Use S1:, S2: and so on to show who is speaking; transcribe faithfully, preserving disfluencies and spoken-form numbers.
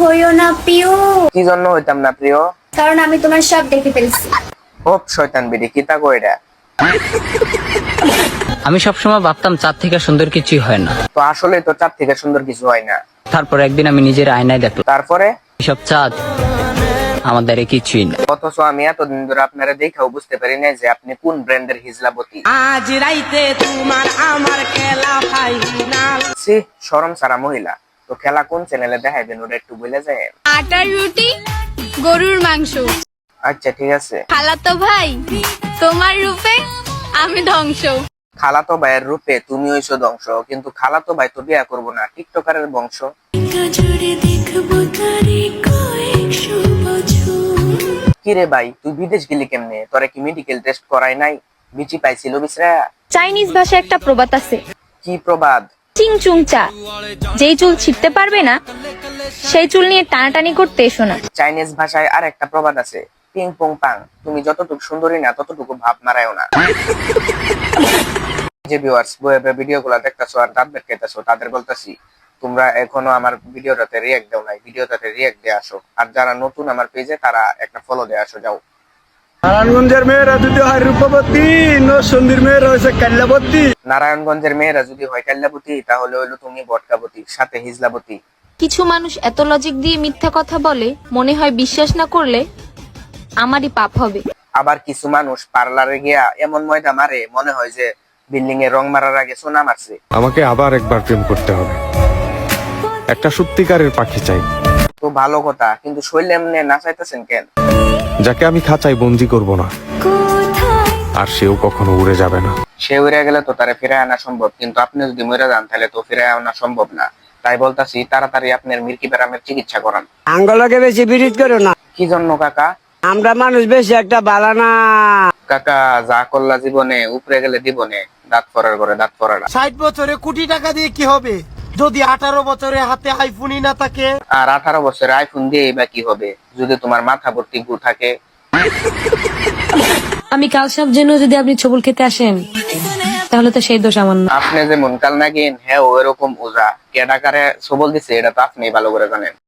S1: হইও না প্রিয়।
S2: কি জন্য হইতাম না প্রিয়?
S1: কারণ আমি তোমার সব দেখে ফেলছি।
S2: ও শয়তান বিড়ি কিতা কইরা।
S3: আমি সবসময় ভাবতাম চাঁদ থেকে সুন্দর কিছুই হয় না,
S2: তো আসলে তো চাঁদ থেকে সুন্দর কিছু হয় না।
S3: তারপর একদিন আমি নিজের আয়নায় দেখলাম
S2: তারপরে
S3: সব চাঁদ আমার দ্বারা কিছুই না।
S2: অথচ আমি এতদিন ধরে আপনারা দেখাও বুঝতে পারি না যে আপনি কোন ব্র্যান্ডের হিজলাবতী।
S4: আজ রাইতে তোমার আমার খেলা ফাইনাল।
S2: সি শরম সারা মহিলা। তো খেলা কোন চ্যানেলে দেখাইবেন ওটা একটু বলে যায়।
S5: আটার রুটি, গরুর মাংস।
S2: আচ্ছা ঠিক আছে।
S5: খালাতো ভাই তোমার রূপে আমি ধ্বংস।
S2: খালাতো ভাইয়ের রূপে তুমি হইছো ধ্বংস, কিন্তু খালাতো ভাই তো বিয়া করবো না, টিকটকারের বংশ। কিরে ভাই তুই বিদেশ গেলি কেমনে? তোরা কি মেডিকেল টেস্ট করাই নাই? বিচি পাইছিল বিছরা?
S6: চাইনিজ ভাষায় একটা প্রবাদ আছে,
S2: কি প্রবাদ?
S6: চিং চুং চা। যেই চুল ছিটতে পারবে না সেই চুল নিয়ে টানাটানি করতে এসো না।
S2: চাইনিজ ভাষায় আর একটা প্রবাদ আছে, পিং পং পাং। তুমি যতটুকু সুন্দরী না ততটুকু ভাব মারায়ও না। যে ভিউয়ার্স বইয়ের ভিডিওগুলো দেখতেছো আর দাঁত বের খাইতেছো তাদের বলতেছি, তোমরা এখনো আমার ভিডিওটাতে রিয়্যাক্ট দাও নাই, ভিডিওটাতে রিয়্যাক্ট দিয়ে আসো। আর যারা নতুন আমার পেজে তারা একটা ফলো দিয়ে আসো। যাও।
S7: নারায়ণগঞ্জের মেয়েরা যদি হয় রূপবতী, নরসিংদীর মেয়েরা হয়েছে কাল্যাবতী।
S2: নারায়ণগঞ্জের মেয়েরা যদি হয় কাল্যাবতী তাহলে হইলো তুমি বটকাবতী, সাথে হিজলাবতী।
S6: কিছু মানুষ এত লজিক দিয়ে মিথ্যা কথা বলে, মনে হয় বিশ্বাস না করলে আমারই পাপ হবে।
S2: আবার কিছু মানুষ পার্লারে গিয়া এমন ময়দা মারে মনে হয় যে বিল্ডিং এ রং মারার আগে সোনা মারছে।
S8: আমাকে আবার একবার প্রেম করতে হবে, একটা সত্যিকারের পাখি চাই।
S2: তো ভালো কথা, কিন্তু শৈলে এমনি নাচাইতেছেন কেন?
S8: যাকে আমি খাঁচায় বন্দি করব না, আর সেও কখনো উড়ে যাবে না।
S2: সে উড়ে গেলে তো তারে ফিরায় আনা সম্ভব, কিন্তু আপনি যদি মরে যান তাহলে তো ফিরায় আনা সম্ভব না। তাই বলতাছি তাড়াতাড়ি আপনার মির্কি ব্যারামের চিকিৎসা করান।
S4: আঙ্গলকে বেশি বিরিত করো না,
S2: কি জন্য কাকা?
S4: আমরা মানুষ বেশি একটা বালা না।
S2: কাকা যা করলা জীবনে, উপরে গেলে দিবনে দাঁত ফরার করে দাঁত ফরারা।
S9: ষাট বছরে কোটি টাকা দিয়ে কি হবে যদি আঠারো বছরে হাতে আইফোনই না থাকে?
S2: আর আঠারো বছরে আইফোন দিয়ে বা কি হবে যদি তোমার মাথা ভর্তি গু থাকে?
S10: আমি কাল সাপ জেনে যদি আপনি ছবল খেতে আসেন তাহলে তো সেই দোষ আমার না।
S2: আপনি যেমন কাল নাগিন, হ্যাঁ ওরকম ওজা। কে ডাকারে সবল দিছে এটা তো আপনি ভালো করে জানেন।